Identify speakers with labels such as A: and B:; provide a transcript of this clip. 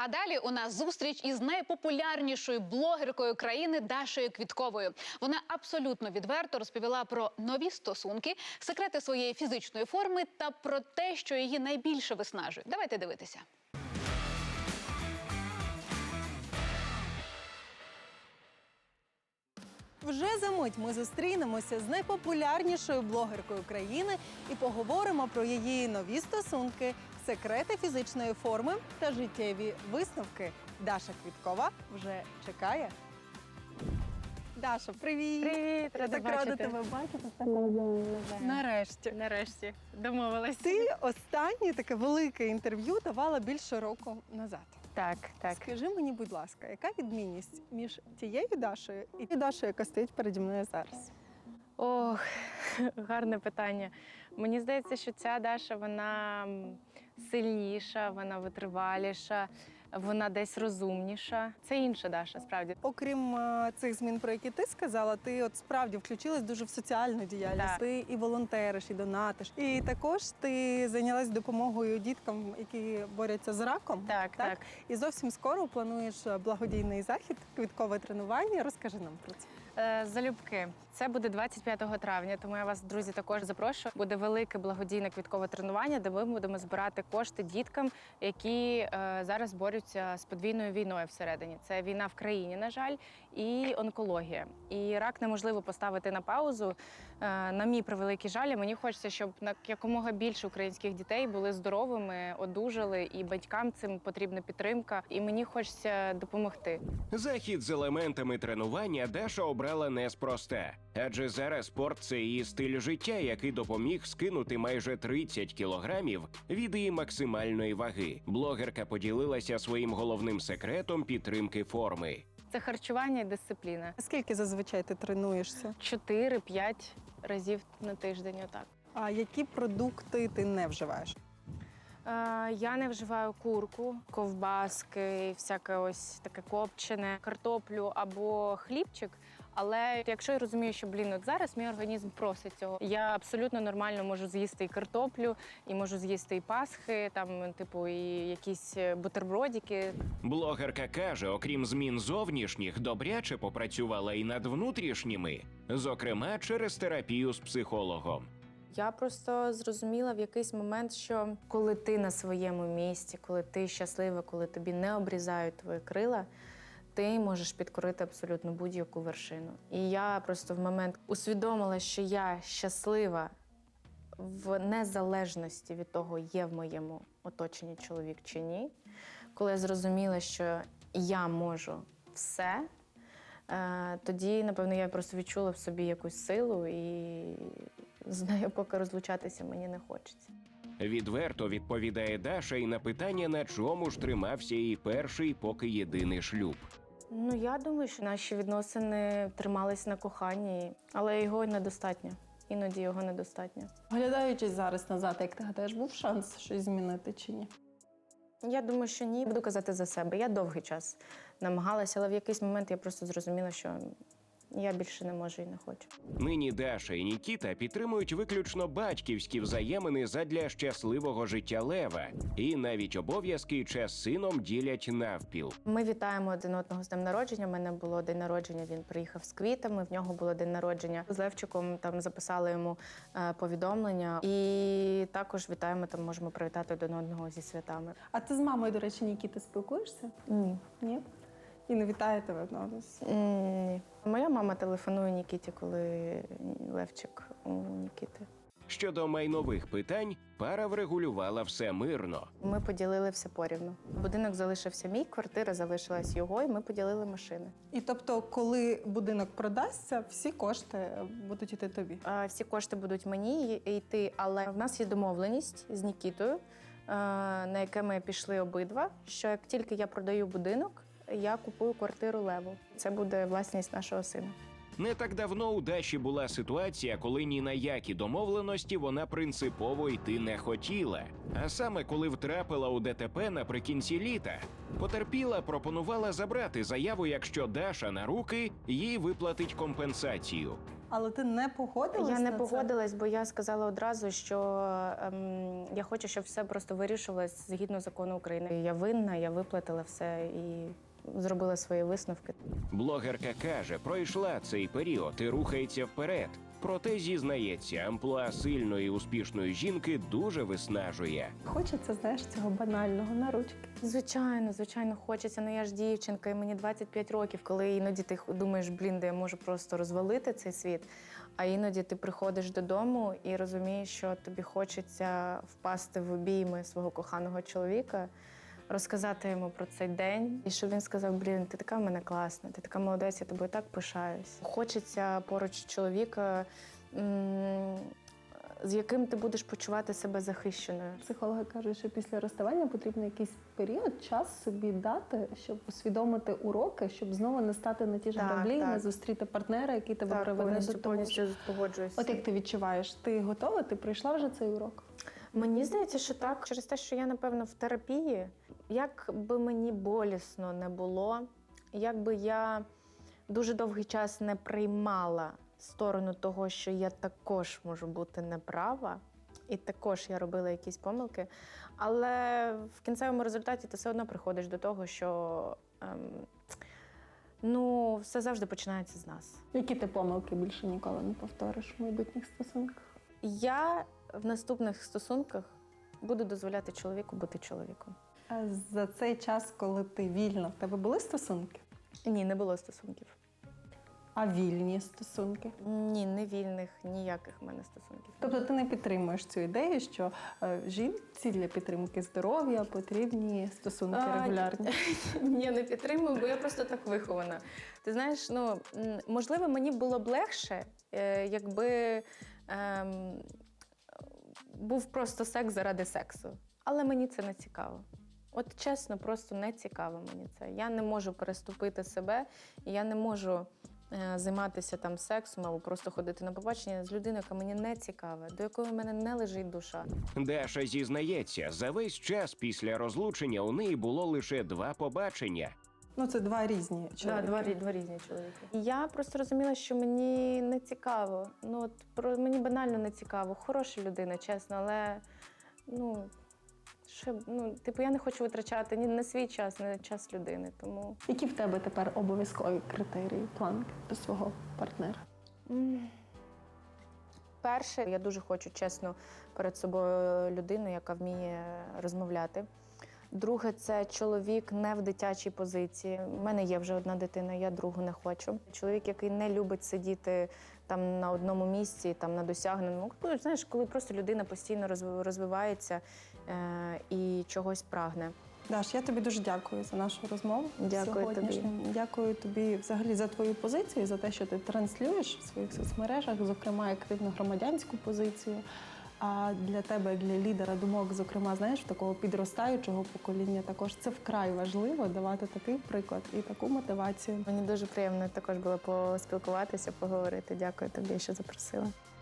A: А далі у нас зустріч із найпопулярнішою блогеркою країни Дашею Квітковою. Вона абсолютно відверто розповіла про нові стосунки, секрети своєї фізичної форми та про те, що її найбільше виснажує. Давайте дивитися.
B: Вже за мить ми зустрінемося з найпопулярнішою блогеркою країни і поговоримо про її нові стосунки, секрети фізичної форми та життєві висновки. Даша Квіткова вже чекає. Даша, привіт!
C: Привіт, рада
B: так рада
C: бачити.
B: тебе бачити.
C: Нарешті. Нарешті. Домовилась.
B: Ти останнє таке велике інтерв'ю давала більше року назад.
C: Так.
B: Скажи мені, будь ласка, яка відмінність між тією Дашею і тією Дашею, яка стоїть переді мною зараз?
C: Ох, гарне питання. Мені здається, що ця Даша, вона сильніша, вона витриваліша, вона десь розумніша. Це інша Даша, справді.
B: Окрім цих змін, про які ти сказала, ти от справді включилась дуже в соціальну діяльність.
C: Так.
B: Ти і волонтериш, і донатиш. І також ти зайнялась допомогою діткам, які борються з раком.
C: Так.
B: І зовсім скоро плануєш благодійний захід, квіткове тренування. Розкажи нам про це.
C: Залюбки. Це буде 25 травня, тому я вас, друзі, також запрошую. Буде велике благодійне квіткове тренування, де ми будемо збирати кошти діткам, які зараз борються з подвійною війною всередині. Це війна в країні, на жаль, і онкологія. І рак неможливо поставити на паузу. На мій превеликий жаль, мені хочеться, щоб якомога більше українських дітей були здоровими, одужали, і батькам цим потрібна підтримка. І мені хочеться допомогти.
D: Захід з елементами тренування Даша обрала неспроста. Адже зараз спорт – це її стиль життя, який допоміг скинути майже 30 кілограмів від її максимальної ваги. Блогерка поділилася своїм головним секретом підтримки форми.
C: Це харчування і дисципліна.
B: Скільки зазвичай ти тренуєшся?
C: 4-5 разів на тиждень, отак.
B: А які продукти ти не вживаєш?
C: Я не вживаю курку, ковбаски, всяке ось таке копчене, картоплю або хлібчик. Але якщо я розумію, що, от зараз мій організм просить цього, я абсолютно нормально можу з'їсти і картоплю, і можу з'їсти і пасхи, там, типу, і якісь бутербродики.
D: Блогерка каже, окрім змін зовнішніх, добряче попрацювала і над внутрішніми, зокрема через терапію з психологом.
C: Я просто зрозуміла в якийсь момент, що коли ти на своєму місці, коли ти щаслива, коли тобі не обрізають твої крила, ти можеш підкорити абсолютно будь-яку вершину. І я просто в момент усвідомила, що я щаслива в незалежності від того, є в моєму оточенні чоловік чи ні. Коли я зрозуміла, що я можу все, тоді, напевно, я просто відчула в собі якусь силу і з нею поки розлучатися мені не хочеться.
D: Відверто відповідає Даша і на питання, на чому ж тримався її перший, поки єдиний шлюб.
C: Я думаю, що наші відносини тримались на коханні, але його недостатньо. Іноді його недостатньо.
B: Оглядаючись зараз назад, як ти гадаєш, був шанс щось змінити чи ні?
C: Я думаю, що ні. Буду казати за себе. Я довгий час намагалася, але в якийсь момент я просто зрозуміла, що я більше не можу і не хочу.
D: Нині Даша і Нікіта підтримують виключно батьківські взаємини задля щасливого життя Лева. І навіть обов'язки і час з сином ділять навпіл.
C: Ми вітаємо один одного з днем народження. У мене було день народження, він приїхав з квітами, в нього було день народження. З Левчиком там записали йому повідомлення. І також вітаємо, там можемо привітати один одного зі святами.
B: А ти з мамою, до речі, Нікіти, спілкуєшся?
C: Ні.
B: Ні? І не вітає тебе одного?
C: Ні. Моя мама телефонує Нікіті, коли Левчик у Нікіти.
D: Щодо майнових питань, пара врегулювала все мирно.
C: Ми поділили все порівну. Будинок залишився мій, квартира залишилась його, і ми поділили машини.
B: І тобто, коли будинок продасться, всі кошти будуть йти тобі?
C: Всі кошти будуть мені йти, але в нас є домовленість з Нікітою, на яке ми пішли обидва, що як тільки я продаю будинок, я купую квартиру Леву. Це буде власність нашого сина.
D: Не так давно у Даші була ситуація, коли ні на які домовленості вона принципово йти не хотіла. А саме коли втрапила у ДТП наприкінці літа. Потерпіла пропонувала забрати заяву, якщо Даша на руки їй виплатить компенсацію.
B: Але ти не погодилась
C: Я не
B: на це?
C: погодилась, бо я сказала одразу, що я хочу, щоб все просто вирішувалось згідно закону України. Я винна, я виплатила все і зробила свої висновки.
D: Блогерка каже, пройшла цей період і рухається вперед. Проте зізнається, амплуа сильної і успішної жінки дуже виснажує.
B: Хочеться, знаєш, цього банального на ручки.
C: Звичайно, хочеться. Ну я ж дівчинка, і мені 25 років, коли іноді ти думаєш, де я можу просто розвалити цей світ. А іноді ти приходиш додому і розумієш, що тобі хочеться впасти в обійми свого коханого чоловіка, розказати йому про цей день, і щоб він сказав: ти така в мене класна, ти така молодець, я тобою так пишаюсь. Хочеться поруч чоловіка, з яким ти будеш почувати себе захищеною.
B: Психологи кажуть, що після розставання потрібно якийсь період, час собі дати, щоб усвідомити уроки, щоб знову не стати на ті ж
C: Так,
B: граблі,
C: так.
B: не зустріти партнера, який тебе приведе до того.
C: Повністю погоджуюся.
B: От як ти відчуваєш, ти готова? Ти пройшла вже цей урок?
C: Мені здається, що так. Через те, що я, напевно, в терапії, як би мені болісно не було, як би я дуже довгий час не приймала сторону того, що я також можу бути неправа, і також я робила якісь помилки, але в кінцевому результаті ти все одно приходиш до того, що все завжди починається з нас.
B: Які ти помилки більше ніколи не повториш в майбутніх стосунках?
C: Я в наступних стосунках буду дозволяти чоловіку бути чоловіком.
B: А за цей час, коли ти вільна, в тебе були стосунки?
C: Ні, не було стосунків.
B: А вільні стосунки?
C: Ні, не вільних, ніяких в мене стосунків.
B: Тобто ти не підтримуєш цю ідею, що жінці для підтримки здоров'я потрібні стосунки регулярні?
C: Ні, не підтримую, бо я просто так вихована. Ти знаєш, можливо, мені було б легше, якби був просто секс заради сексу. Але мені це не цікаво. От чесно, просто не цікаво мені це. Я не можу переступити себе, і я не можу займатися там сексом або просто ходити на побачення з людиною, яка мені не цікава, до якої в мене не лежить душа.
D: Даша зізнається, за весь час після розлучення у неї було лише 2 побачення.
B: Це два різні чоловіки.
C: Так, два різні чоловіки. Я просто розуміла, що мені не цікаво. Мені банально не цікаво. Хороша людина, чесно, але я не хочу витрачати ні на свій час, ні на час людини. Тому
B: Які в тебе тепер обов'язкові критерії, планки до свого партнера?
C: перше, я дуже хочу чесно перед собою людину, яка вміє розмовляти. Друге, це чоловік не в дитячій позиції. У мене є вже одна дитина, я другу не хочу. Чоловік, який не любить сидіти там на одному місці, там на досягненому. Знаєш, коли просто людина постійно розвивається і чогось прагне.
B: Даш, я тобі дуже дякую за нашу розмову.
C: Дякую тобі.
B: Дякую тобі взагалі за твою позицію, за те, що ти транслюєш в своїх соцмережах, зокрема активну громадянську позицію. А для тебе, як для лідера думок, зокрема, знаєш, такого підростаючого покоління, також це вкрай важливо давати такий приклад і таку мотивацію.
C: Мені дуже приємно також було поспілкуватися, поговорити. Дякую тобі, що запросила.